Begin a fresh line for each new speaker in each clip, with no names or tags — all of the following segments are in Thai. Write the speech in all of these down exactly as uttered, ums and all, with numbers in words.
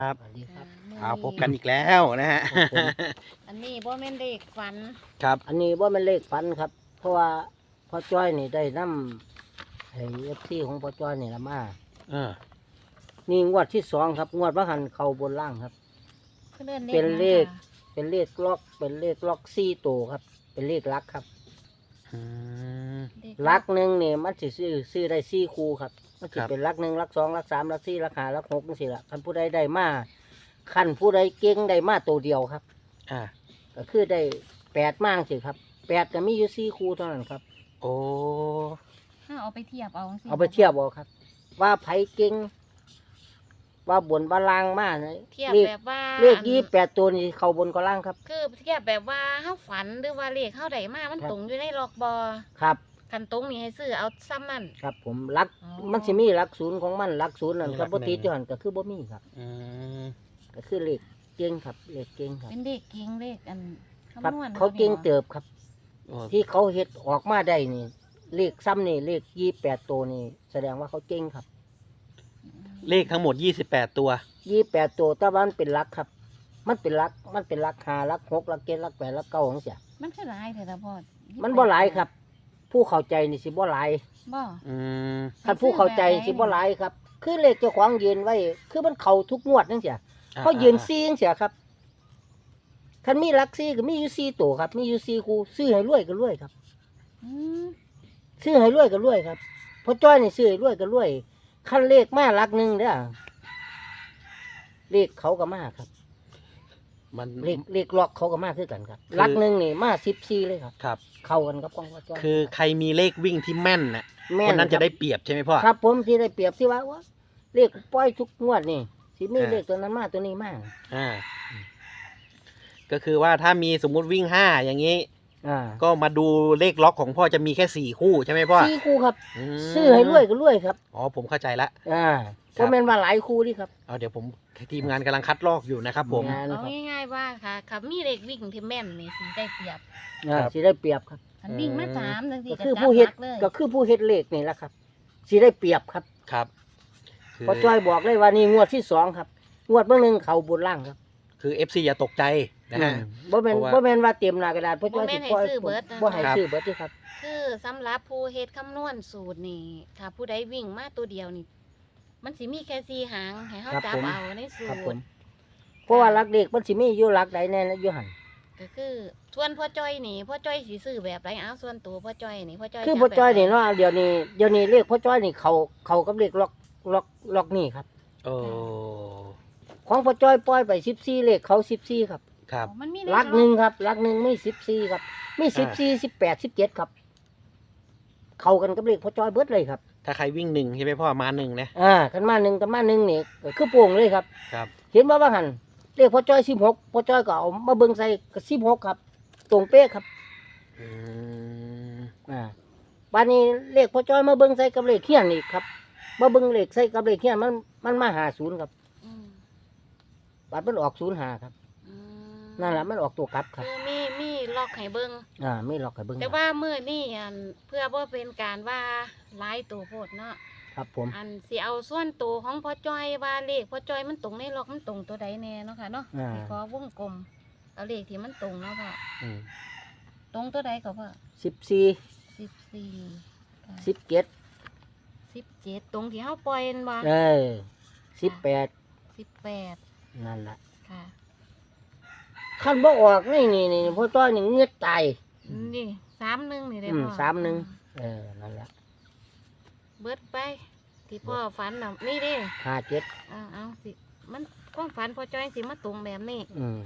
ครับ
สวัสดีครับ
เอาพบกันอีกแล้วนะฮะ
ครับผม
อันนี้บ่แม่นเด็กฝัน
ครับ
อันนี้ว่ามันเลขฝันครับ เพราะว่าพ่อจ้อยนี่ได้นำไอ้เอฟซีของพ่อจ้อยนี่ละมา
เออ
นี่งวดที่สองครับ งวดว่าหันเข้าบนล่างครับ
คือเลื่อน
เป็นเลข
หยังค่ะ
เป็นเลขล็อก เป็นเลขล็อกซี่ตัวครับ เป็นเลขลักครับ
อืม
เด็ก
ลักหนึ่งนี่มันสิซื้อซื้อได้ซี่คู่ครับมันสิ
ครับ
เป็นลักหนึ่งลักสองลักสามลักสี่ลักห้าลักหกนี่สิละคันผู้ใดได้มาคันผู้ใดเก่งได้มาตัวเดียวครับ
อ่า
ก็คือได้แปดมากสิครับแปดก็มีอยู่ซี่คู่เท่านั้นครับ
โอ้
ถ้าเอาไปเทียบเอาสิ
เอาไปเทียบเอาครับ ว่าไผเก่งว่าบนบาลางมากนะ
เทียบ
เลข
แบบว่า
เลขยี่แปดตัวนี่เข้าบนก็ล่างครับ
คือเทียบแบบว่าเฮาฝันหรือว่าเลขเฮาได้มามัน
ครับ
ตรงอยู่ในล็อกบ่
ครับ
คันตรงนี่ให้ซื้อเอาซ้ำนั่น
ครับผมรัก
อ๋อ
มันสิมีรักศูนย์ของมันรักศูนย์นั่นครับบ่ติดอยู่หั่นก็คือบ่มีครับ
อืม
ก็คือเลขเก่งครับเลขเก่งครับ
เป็นเด็กเก่งเลขอัน
ครับ
คำนวณ
เขาเก่งเติบครับ
โอ้
ที่เขาเฮ็ดออกมาได้นี่ เลขซ้ำนี่เลขยี่แปดตัวนี่แสดงว่าเขาเก่งครับ
เลขทั้งหมดยี่สิบแปดตัว
ยี่แปดตัวแต่ว่ามันเป็นรักครับ มันเป็นรักมันเป็นรักห้ารักหกรักเจ็ดรักแปดรักเก้าของเสีย
มันคือหลายแต่ละพอ
มันบ่หลายครับ ผู้เข้าใจนี่สิบ่หลาย
บ่
อืม
ท่านผู้เข้าใจสิบ่หลายครับ คือเลขเจ้าของยืนไว้ คือมันเข้าทุกงวดจังเสียเขายืนซีจังเสียครับคันมีรักซีก็มีอยู่ซีตัวครับ มีอยู่ซีคู่ซื้อให้รวยก็รวยครับ
อืม
ซื้อให้รวยก็รวยครับเพราะจ้อยนี่ซื้อให้รวยก็รวยคันเลขมารักหนึ่งเด้อเลขเขาก็มาครับ
มัน
เลขเลขล็อกเขาก็มาคือกันครับรักหนึ่งนี่มาสิบซีเลยครับ
ครับ
เข้ากันกับของพ่อจ้อย
คือใครมีเลขวิ่งที่แม่นน่ะ
แม่
คนนั้น
ค
จะ
รับ
ได้เปรียบใช่ไหมพ่อ
ครับผมที่ได้เปรียบที่ว่าว่าเลขปล่อยทุกงวดนี่สิมี
อ่า
เลขตัวนั้นมาตัวนี้มา
อ่า ก็คือว่าถ้ามีสมมุติวิ่งห้าอย่างนี้
อ่า
ก็มาดูเลขล็อกของพ่อจะมีแค่สี่คู่ใช่ไหมพ่อ
สี่คู่ครับ
ม
ซื้อให้รวยก็รวยครับ
อ๋อผมเข้าใจละ
อ่า
ครั
ก็
บ
แม่นว่าหลายคู่นี่ครับ
เอาเดี๋ยวผมทีมงานกำลังคัดลอกอยู่นะครับผม
งาน
เอา
ครับ
ง่ายๆว่าค่ะค่ะมีเลขวิ่งที่แม่นนี่สิได้เปรียบ
อ่า
ครับ
สิได้เปรียบครับ
อันวิ่งมาสามจังซี่
ก็
ก็
คือ
จับ
ผู้เฮ็ด
หลักเลย
ก็คือผู้เฮ็ดเลขนี่แหละครับสิได้เปรียบครับ
ครับคือ
เพอจ้อยบอกเลยว่านี่งวดที่สองครับงวดเบื้องหนึ่งเขาบนล่างครับ
คือเอฟซีอย่าตกใจนะฮะ
อืมบ่แม่น
เพราะว่า
บ่แม่นว่าเต็มหน้ากระดาษเพราะจ้อยสิปล่อยบ่ให้
ครับ
ซื้อเบิดที่ครับ
คือสำหรับผู้เฮ็ดคำนวณสูตรนี่ ถ้าผู้ใดวิ่งมาตัวเดียวนี่ มันสิมีแค่สี่หางให้เฮา
ครับ
จับ
ผม
เอาในสู
ครับผ
ต
ม
ร
เพราะว่าหลักเด็กมันสิมีอยู่หลักใดแน่นะอยู่หั่น
ก็คือส่วนพ่อจ้อยนี่พ่อจ้อยสิซื้อแบบไรเอาส่วนตัวพ่อจ้อยนี่พ่อจ้อย
คือ
จะ
พ่อจ้อยนี่
แบบไห
เนาะเดี๋ยวนี้เดี๋ยวนี้เลขพ่อจ้อยนี่เขาเขากับเลขล็อกล็อกล็อกนี่ครับ
โอ้
ของพ่อจ้อยปล่อยไปสิบสี่เลขเขาสิบสี่ครับ
ครับ
อ๋อมันมี
หลักหนึ่งครับหลักหนึ่งไม่สิบสี่ครับมีสิบสี่สิบแปดสิบเจ็ดครับ เข้ากันกับเลขพ่อจ้อยเบิดเลยครับ
ถ้าใครวิ่งหนึ่งใช่ไหมพ่อมาหนึ่งนะ
อ่ากันมาหนึ่งกันมาหนึ่งนี่ก็คือโป่งเลยครับ
ครับ
เห็นว่าว่าหันเลขพ่อจ้อยสิบหกพ่อจ้อยก็เอามาเบิ่งใส่กับสิบหกครับ ตรงเป๊ะครับ
อืม
อ่าบานนี้เลขพ่อจ้อยมาเบิ่งใส่กับเลขเขียนอีกครับมาเบิ่งเลขใส่กับเลขเขียนมันมันมาหาศูนย์ครับ
อืม
บาทมันออกศูนย์หาครับ
อืม
นั่นแหละมันออกตัวกลับครับ
คือมีมีล็อกให้เบิ่ง
อ่าไม่หลอกให้เบิ่ง
แต่ว่ามื้อนี้อันเพื่อบ่เป็นการว่าหลายตัวโพดเนาะ
ครับผม
อันสิเอาส่วนตัวของพ่อจ้อยว่าเลขพ่อจ้อยมันตรงในล็อกมันตรงตัวใดแน่เนาะค่ะเนาะ
อ่า
สิขอวงกลมเอาเลขที่มันตรงเนาะพ่อ
อืม
ตรงตัวใดก็พ่อ
สิบสี่
สิบสี่ค่ะ
สิบเจ็ด
สิบเจ็ดตรงที่เขาปล่อยนั่นบ่
เออสิบแปด
สิบแปด
นั่นแหละ
ค่ะ
ขั้นบ่ออกนี่นี่นี่พ่อจ้อยนี่เงือดตาย
นี่สามหนึ่งนี่ได้
อืม
พ่อ
สามหนึ่ง เออนั่นแหละ
เบิดไป ที่พ่อฝันน่ะนี่เดิ
ห้าเจ็ด
อ่าเอาสิมันความฝันพ่อจ้อยสิมาตรงแบบนี้
อืม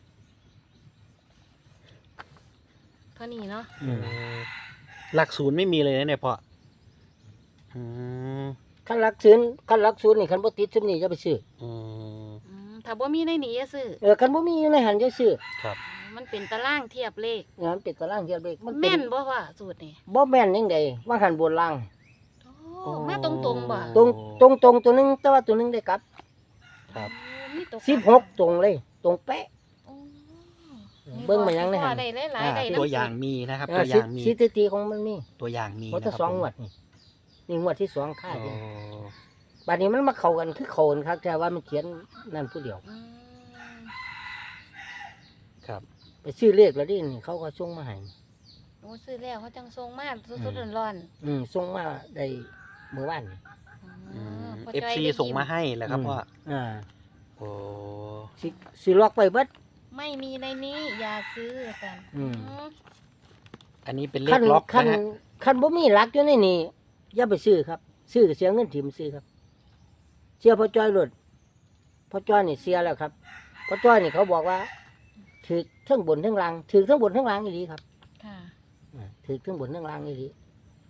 เท่านี้เนาะ
อืม
หลักศูนย์ไม่มีเลยนะเนี่ยพ่ออืม
ขั้นรักศูนย์ขั้นรักศูนย์นี่ขั้นบ่ติดซุมนี่จะไปซื้อ
อืม
อืมถ้าบ่มีในนี้จะซื้อ
เออขั้นบ่มีอยู่ในหันจะซื้อ
ครับ
มันเป็นตารางเทียบเลข
เนี่ยมันเป็นตารางเทียบเลขมันเป็
แม่นบ่ว่าสูตรนี่
บ่แม่นยังไงว่าหันบนล่าง
โอ้มาตรงๆบ่
ตรงตรงตรงตัวหนึงแต่ว่าตัวหนึงได้กลับ
ครับ
โอ้มีตก
สิบหกตรงเลย ตรงเป๊ะ
โอ้
เบิ่งมายังในหัน
พ่อได้หลาย
อ่า
ๆได้
ตัว
น้ำ
อย่างมีนะครับ
เอ
ตั
อ
วอ
สิ
ย่างมี
สถิติของมันมี
ตัวอย่างมี
เพราะถ้า
นะค
ส
รั
อบ ง
ผม
งวดนี่นี่งวดที่สองค่า
โอ้
เดียวบัดนี้มันมาเข้ากันคือเข้ากันครับแต่ว่ามันเขียนนั่นผู้เดียว
อืม
ครับ
ไปซื้อเลขแล้วดินี่เขาก็ส่งมาให้
โอ้ซื้อแล้วเขาจังทรงมากสุดๆร้อน
อืมส่งมาได้เมื่อวาน
ๆ
อื
อ๋อ
ม
พ่อ
เอฟ
จ้อย
ซี
ได้
ส่งมา
ยิ้
ให้แหละครับพ่อ
อ่า
โอ้
สิสิล็อกไปเบิด
ไม่มีในนี้อย่าซื้อกัน
อืม
อันนี้เป็นเล
คั
ขล็อก
คัน
นะฮะ
คันบ่มีหลักอยู่ในนี่อย่าไปซื้อครับ ซื้อก็เสียเงินถิ่มซื้อครับเสียพ่อจ้อยรถพ่อจ้อยนี่เสียแล้วครับพ่อจ้อยนี่เขาบอกว่าถือทั้งบนทั้งล่างถือทั้งบนทั้งล่างอีหลีครับ
ค่ะ
อ่าถือทั้งบนทั้งล่างอีหลี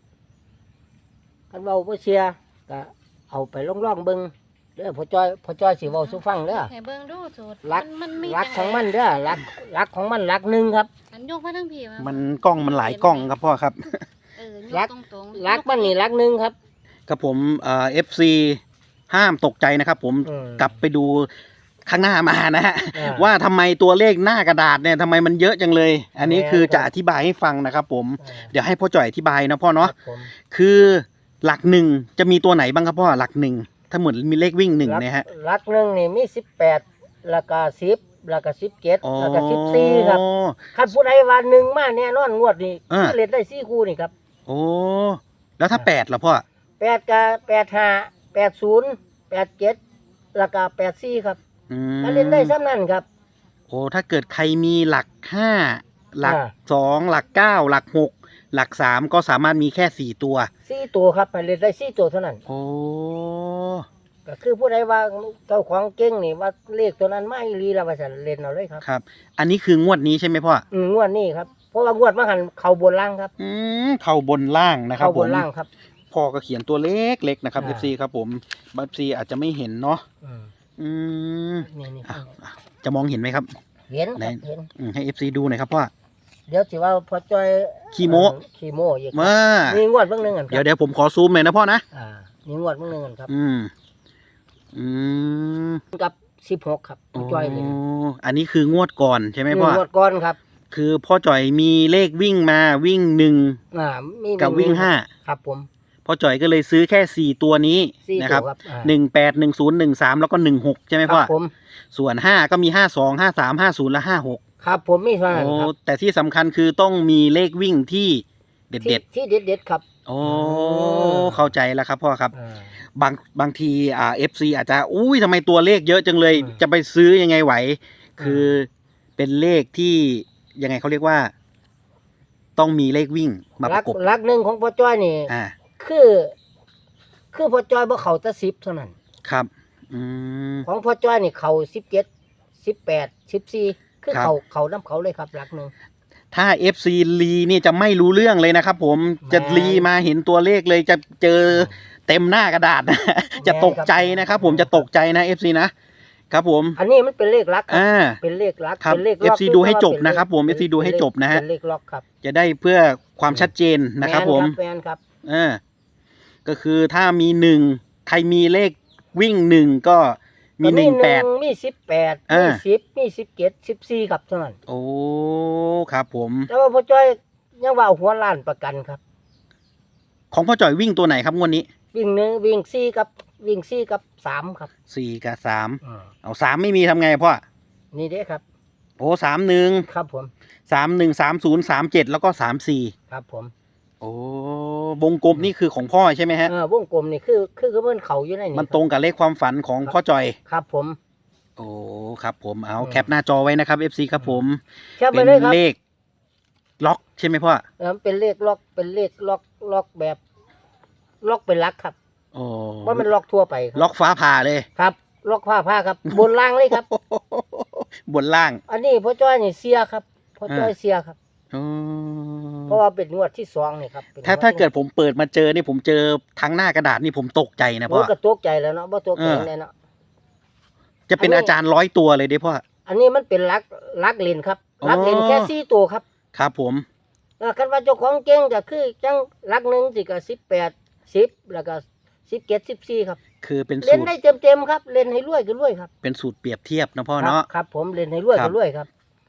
คันเว้าบ่เสียก็เอาไปล่องๆเบิ่งเด้อพ่อจ้อยพ่อจ้อยสิเว้าสู่ฟังเด้อ
ให้เบิ่งดูสูตร
หลัก
มันมี
หลัก
จั
ของ
ใด
มันเด้อหลักหลักของมันหลักหนึ่งครับ
อันยกมาทั้งพี่
มันกล้องมันหลายกล้องครับพ่อครับ
เออย
หลั
ก
ก
ตรงๆ
หลักมันนี่หลักหนึ่งครับ
ครับผมเอ่อฟซีห้ามตกใจนะครับผม
อืม
กลับไปดูข้างหน้ามานะฮะ
อ่า
ว่าทำไมตัวเลขหน้ากระดาษเนี่ยทำไมมันเยอะจังเลย อันนี้คือจะอธิบายให้ฟังนะครับผม
อ่า
เดี๋ยวให้พ่อจ่อยอธิบายนะพ่อเนาะ
ครับผม
คือหลักหนึ่งจะมีตัวไหนบ้างครับพ่อหลักหนึ่งถ้าเหมือนมีเลขวิ่งหนึ่งเนี่ยฮะ
หลักหนึ่งนี่มีสิบแปดแล้วก็สิบแล้วก็สิบเจ็ด
อ๋อ
แล้วก็สิบสี่ครับคันผู้ใดวันหนึ่งมาแน่นอนงวดนี้
อ่า
เล่นได้สี่คู่นี่ครับ
โอ้แล้วถ้าแปดล่ะพ่อ
แปดกับแปดห้าแปดศูนย์แปดเจ็ดแล้วก็แปดสี่ครับ
อืม
ถ้าเล่นได้ซ้ำนั่นครับ
โอ้ถ้าเกิดใครมีหลักห้าหลัก
อ่า
สองหลักเก้าหลักหกหลักสามก็สามารถมีแค่สี่ตัว
สี่ตัวครับให้เล่นได้สี่ตัวเท่านั้น
โอ้
ก็คือผู้ใดว่าเจ้าของเก่งนี่ว่าเลขตัวนั้นมาอีหลีแล้วว่าจะเล่นเอาเลยครับ
ครับ อันนี้คืองวดนี้ใช่ไหมพ่อ
อืมงวดนี้ครับเพราะว่างวดมาหันเข่าบนล่างครับ
อืมเข่าบนล่างนะครับ
เข่า
ผ
บ
ม
นล่างครับ
พ่อก็เขียนตัวเล็กเล็กนะครับ
อ่า
เอฟซีครับผมเอฟซีอาจจะไม่เห็นเนาะ
อืม
อืม
นี่นี่
อ่ะจะมองเห็นไหมครับ
เห็นครับ
ไหน
เห็น
อืมให้เอฟซีดูหน่อยครับพ่อ
เดี๋ยวสิว่าพอจอย
ขี้โม้
เอ่อขี้โมอีกครับ
มา
มีงวดเบิ่งหนึงกันค
เดี๋ยว
รับ
เดี๋ยวผมขอซูมหน่อยนะพ่อนะ
อ่ามีงวดเบิ่งหนึงกันครับ
อืมอืม
กับสิบหกครับพอจอยเลย
โอันนี้คืองวดก่อนใช่ไหมพ่อ
งวดก่อนครับ
คือพ่อจ่อยมีเลขวิ่งมาวิ่งหนึ่ง
อ่ามี
กับวิ่งห้า
ครับผม
พ่อจ่อยก็เลยซื้อแค่สี่ตัวนี้
สี่
นะ
ตั
ครับ
วครับอ่า
หนึ่งแปดหนึ่งศูนย์หนึ่งสามแล้วก็หนึ่งหกใช่ไหม
ค
พ่อ
รับผม
ส่วนห้าก็มีห้าสองห้าสามห้าศูนย์และห้าหก
ครับผมมีเท่านั้น
โอ้
ครับ
แต่ที่สำคัญคือต้องมีเลขวิ่งที่เด็ดเด็ด
ที่ที่เด็ดๆครับ
ๆโอ้
อ
เข้าใจแล้วครับพ่อครับ
อ่า
บางบางทีอ่าเอฟซีอาจจะอุ้ยทำไมตัวเลขเยอะจังเลย
อืม
จะไปซื้อยังไงไหว
ม
คือเป็นเลขที่ยังไงเขาเรียกว่า ต้องมีเลขวิ่งมาป
ลั
ระกบ
ลักหนึ่งของพอจอยนี่
อ่า
คือ คือพอจอยบ่เข้าแต่สิบเท่านั้น
ครับ อืม
ของพอจ้อยนี่เขาสิบเจ็ดสิบแปดสิบสี่คือ
ครับ
เขาเขาน้ำเขาเลยครับหลักหนึ่ง
ถ้า เอฟ ซี ลีนี่จะไม่รู้เรื่องเลยนะครับผม จะ
แม่น
ลีมาเห็นตัวเลขเลยจะเจอเต็มหน้ากระดาษนะ จะตกใจนะครับผมจะตกใจนะ เอฟ ซี นะ ครับผม
อันนี้มันเป็นเลขลักครับ
อ่า
เป็นเลขลัก
ครับ
เป็นเลข
เอฟซี
คื
ดูให้จบ
ว่าเป็
นะครับผม
ป็
เอฟซีดูให้จบนะฮะ
เป็นเลขล็อกครับ
จะได้เพื่อความชัดเจนนะครับผม
แมนครับ
อ่าก็คือถ้ามีหนึ่งใครมีเลขวิ่งหนึ่งก็มี
ก็
หนึ่งแปด
มีสิบแปด
อ่า
มีสิบมีสิบเจ็ดสิบสี่ครับเท่านั้น
โอ้ครับผม
แต่ว่าพอจ้อยยังว่าเอาหัวล้านประกันครับ
ของพ่อจ่อยวิ่งตัวไหนครับงวดนี้
วิ่งหนึ่งวิ่งสี่กับวิ่งสี่กับสามครับ
สี่กับสาม
อืม
เอาสามไม่มีทำไงพ่อ
นี่เด้ครับ
โอ้สามหนึ่ง
ครับผม
สามหนึ่งสามศูนย์สามเจ็ดแล้วก็สามสี่
ครับผม
โอ้วงกลมนี่คือของพ่อใช่ไหมฮะ
เออวงกลมนี่คือคือคือมันเขาอยู่ในนี่
มันตรงกับเลขความฝันของพ่อจอย
ครับผม
โอ้ครับผมเอา
อืม
แคปหน้าจอไว้นะครับ เอฟ ซี ครับผม
แค่ไป
เป็น
เลยครับ
เลขล็อกใช่ไหมพ่อ
เออเป็นเลขล็อกเป็นเลขล็อกล็อกแบบ ล็อกเป็นลักครับ
โอ้
ว่ามันล็อกทั่วไปครับ
ล็อกฟ้าผ่าเลย
ครับ ล็อกผ้าผ้าครับ บนล่างเลยครับ
บนล่าง
อันนี้พ่อจ้อยนี่เสียครับพ่อจ้อย
อ่า
เสียครับ
อ๋อ
เพราะว่าเป็นงวดที่สองนี่ครับป็น
ถ้าง
ว
ถ้าเกิดผมเปิดมาเจอนี่ผมเจอทั้งหน้ากระดาษนี่ผมตกใจนะ
โอ้
พ่อ
ก็ตกใจแล้วเนาะบ่ตกใจ
เออ
แน่เนาะ
จะเป็น
อันนี้
อาจารย์ร้อยตัวเลยเด้พ่อ
อันนี้มันเป็นลักลักเลนครับ
อ๋อ
ลักเลนแค่สี่ตัวครับ
ครับผม
เออคันว่าเจ้าของเก่งก็คือจังลักหนึ่งสิก็สิบแปดสิบแล้วก็สิบเจ็ดสิบสี่ครับ
คือเป็น
เล่
สู
น
ตร
ได้เต็มๆครับ เล่นให้รวยก็รวยครับ
เป็นสูตรเปรียบเทียบนะพ่อ
ครับ
เนาะ
ครับ ผมเล่นให้รวย
ครั
ก็
บ
รวยครับ
อ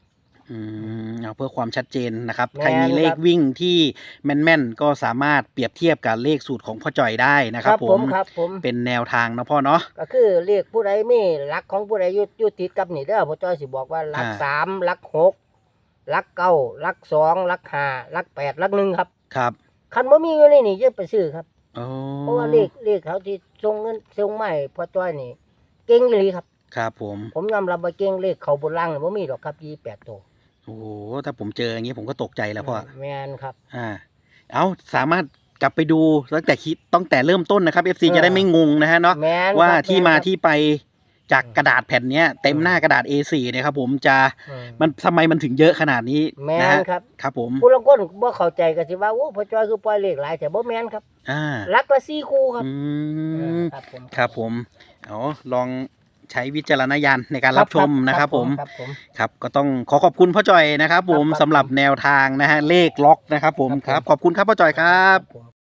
อืมเอาเพื่อความชัดเจนนะครับ
แม่น
ใครมีเลข
ครับ
วิ่งที่แม่นๆก็สามารถเปรียบเทียบกับเลขสูตรของพ่อจ่อยได้นะครับผม
ครับผม
เป็นแนวทางนะพ่อเนาะ
ก็คือเลขผู้ใดมีหลักของผู้ใดอยู่อยู่ติดกับนี่เด้อพ่อจ้อยสิบอกว่าหลัก
อ่า
สามหลักหกหลักเก้าหลักสองหลักห้าหลักแปดหลักหนึ่งครับ
ครับ
คันบ่มีอยู่ในนี่จะไปซื้อครับ
โอ้
เพราะว่าเลขเลขเขาที่ส่งเงินส่งมาให้พ่อจ้อยนี่เก่งอีหลีครับ
ครับผม
ผมยอมรับว่าเก่งเลขเขาบนล่างนี่บ่มีดอกครับยี่สิบแปดตัว
โอ้โหถ้าผมเจออย่างนี้ผมก็ตกใจแล้วพ่อ
แม่นครับ
อ่า เอาสามารถกลับไปดูตั้งแต่คิดตั้งแต่เริ่มต้นนะครับ เอฟ ซี
เออ
จะได้ไม่งงนะฮะเนาะ
แม่น
ว่า
ครับ
ที่มา
แนครับ
ที่ไปจากกระดาษแผ่นเนี้ยเต็มหน้ากระดาษ เอ โฟร์ นะครับผมจะ
อืม
มันทำไมมันถึงเยอะขนาดนี้
แม่
นะ
น
ฮะ
ครับ
ครับผม
ผู้ลางคนบ่เข้าใจก็สิว่าโอ้พ่อจ้อยคือปล่อยเลขหลายแต่บ่แม่นครับ
อ่า
หลักละสี่คู่ครับ
อื
เอ
ม
อครับผม
ครับผมเอาลองใช้วิจารณญาณในการรับชมนะครับผม
ครับผม
ครับก็ต้องขอขอบคุณพ่อจ่อยนะครับผม
ครับ
สำหรับแนวทางนะฮะเลขล็อกนะครับผม
ครับผม
ครับขอบคุณครับพ่อจ่อยครับ
ผม